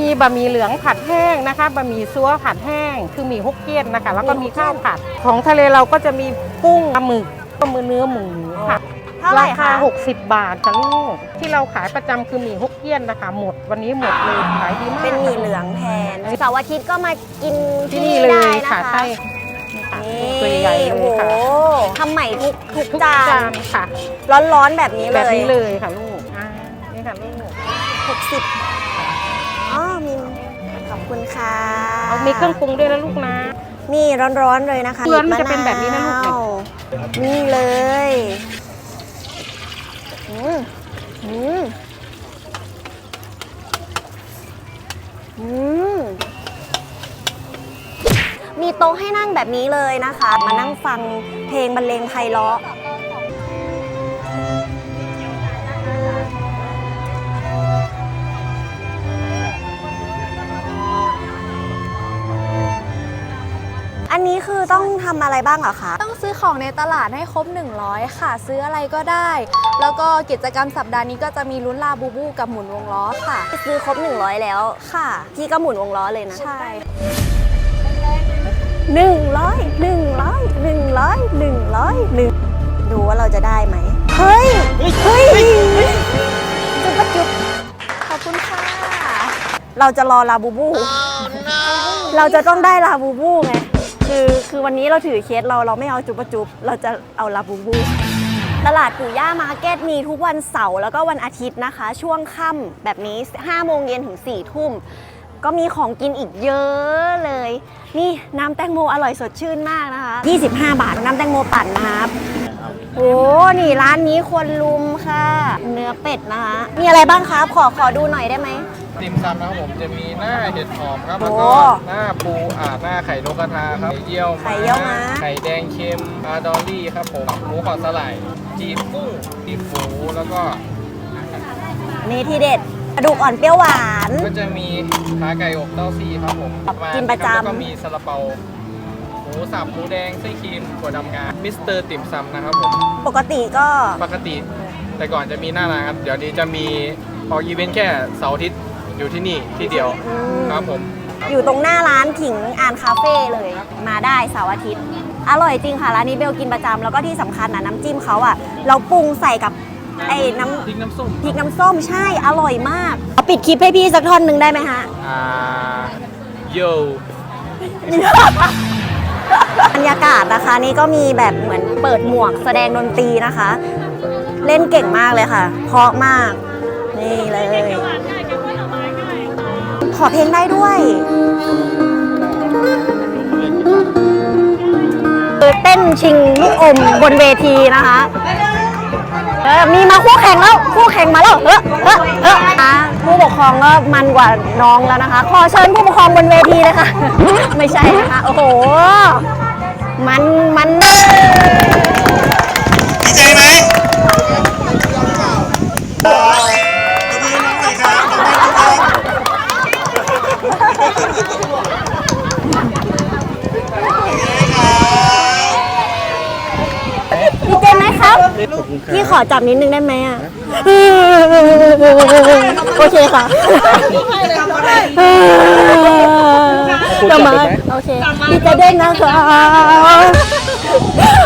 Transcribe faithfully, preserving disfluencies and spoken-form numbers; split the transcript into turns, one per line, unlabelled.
มีบะหมี่เหลืองผัดแห้งนะคะบะหมี่ซัวผัดแห้งคือหมี่ฮกเกี้ยนนะคะแล้วก็มีข้าวผัดของทะเลเราก็จะมีกุ้งปลาหมึกก็มือเนื้อหมูค่ะ
เท่าไหร่
รา
คะ
คาหกสิบบาทค่ะลูกที่เราขายประจำคือหมี่ฮกเกี้ยนนะคะหมดวันนี้หมดเลยขายดีมาก
เป็นหมี่เหลืองแทนเสาร์อาทิตย์ก็มากิน
ที่นี่เลยค่ะใช่ตัวใหญ่เลยค่ะ
ทำใหม่ทุกทุก
ทุก
จา
จาน นค่ะ
ร้อนๆแบบนี้เลย
แบบนี้เลยค่ะลูกอ่านี่ค่ะลูก
หกสิบอ๋อมีขอบคุณค่ะ
เอามีเครื่องปรุงด้วยนะลูกนะ
นี่ร้อนๆเลยนะคะ
เพื่อนมันจะเป็นแบบนี้นะลูก
นี่เลยอืมอืมอืมมีโต๊ะให้นั่งแบบนี้เลยนะคะ มานั่งฟังเพลงบรรเลงไพเราะอันนี้คือต้องทำอะไรบ้างเหรอคะ
ต้องซื้อของในตลาดให้ครบหนึ่งร้อยค่ะซื้ออะไรก็ได้ แล้วก็กิจกรรมสัปดาห์นี้ก็จะมีลุ้นลาบูบูกับหมุนวงล้อค่ะ
ซื้อครบหนึ่งร้อยแล้ว
ค่ะ
พี่ก็หมุนวงล้อเลยนะ
ใช่
หนึ่งร้อยหนึ่งร้อยหนึ่งร้อยหนึ่งร้อยหนึ่งดูว่าเราจะได้ไหมเฮ้ยเฮ้ยจุ๊บปะจุ๊บ
ขอบคุณค่ะ
เราจะรอลาบูบู oh, no. เราจะต้องได้ลาบูบูไงคือคือวันนี้เราถือเคสเราเราไม่เอาจุ๊บปะจุ๊บเราจะเอาลาบูบูตลาดปู่ย่ามาร์เก็ตมีทุกวันเสาร์แล้วก็วันอาทิตย์นะคะช่วงค่ำแบบนี้ห้าโมงเย็นถึงสี่ทุ่มก็มีของกินอีกเยอะเลยนี่น้ำแตงโมอร่อยสดชื่นมากนะคะยี่สิบห้าบาทน้ำแตงโมปั่นนะครับโอ้นี่ร้านนี้ควรลุมค่ะเนื้อเป็ดนะคะมีอะไรบ้างครับขอขอดูหน่อยได้ไหม
ติ่มซำนะครับผมจะมีหน้าเห็ดหอมครับแล้วก็หน้าปูอ่าหน้าไข่นกกระทาครับไข่เยี่ยว
ไข่เยี่ยวม้า
ไข่แดงเค็มปลาดอลลี่ครับผมหมูขอสไลด์จีบกุ้งจีบหมูแล้วก็
นี่ที่เด็ดกระดูกอ่อนเปรี้ยวหวาน
ก็จะมีขาไก่อบเต้าซี่ครับผม
กินประจำ
แล้วก็มีซาลาเปาหมูสับหมูแดงไส้ครีมถั่วดำงามิสเตอร์ติ่มซำนะครับผม
ปกติก็
ปกติแต่ก่อนจะมีหน้าร้านครับเดี๋ยวนี้จะมีออกอีเวนต์แค่เสาร์อาทิตย์อยู่ที่นี่ที่เดียวครับผม
อยู่ตรงหน้าร้านผิงอ่านคาเฟ่เลยมาได้เสาร์อาทิตย์อร่อยจริงค่ะร้านนี้เบลกินประจำแล้วก็ที่สำคัญนะน้ำจิ้มเขาอ่ะเราปรุงใส่กับไอ้น้ำ
พริกน้ำส้ม
พริกน้ำส้มใช่อร่อยมากเอาปิดคลิปให้พี่สักท่อนหนึ่งได้ไหมฮะ
อ่าโย
บรรยากาศนะคะนี่ก็มีแบบเหมือนเปิดหมวกแสดงดนตรีนะคะ เล่นเก่งมากเลยค่ะเพราะมากนี่เลยขอเพลงได้ด้วยเต้นชิงลูกอมบนเวทีนะคะเออมีมาคู่แข่งแล้วคู่แข่งมาแล้วเออเออเออผู้ปกครองก็มันกว่าน้องแล้วนะคะขอเชิญผู้ปกครองบนเวทีเลยค่ะไม่ใช่นะคะโอ้โหมันมันดี
ใจไหม
ดีใจไหมครับพี่ขอจับนิดนึงได้ไหมอ่ะโอเคค่ะจะมาโอเคดีใจด้วยนะคะ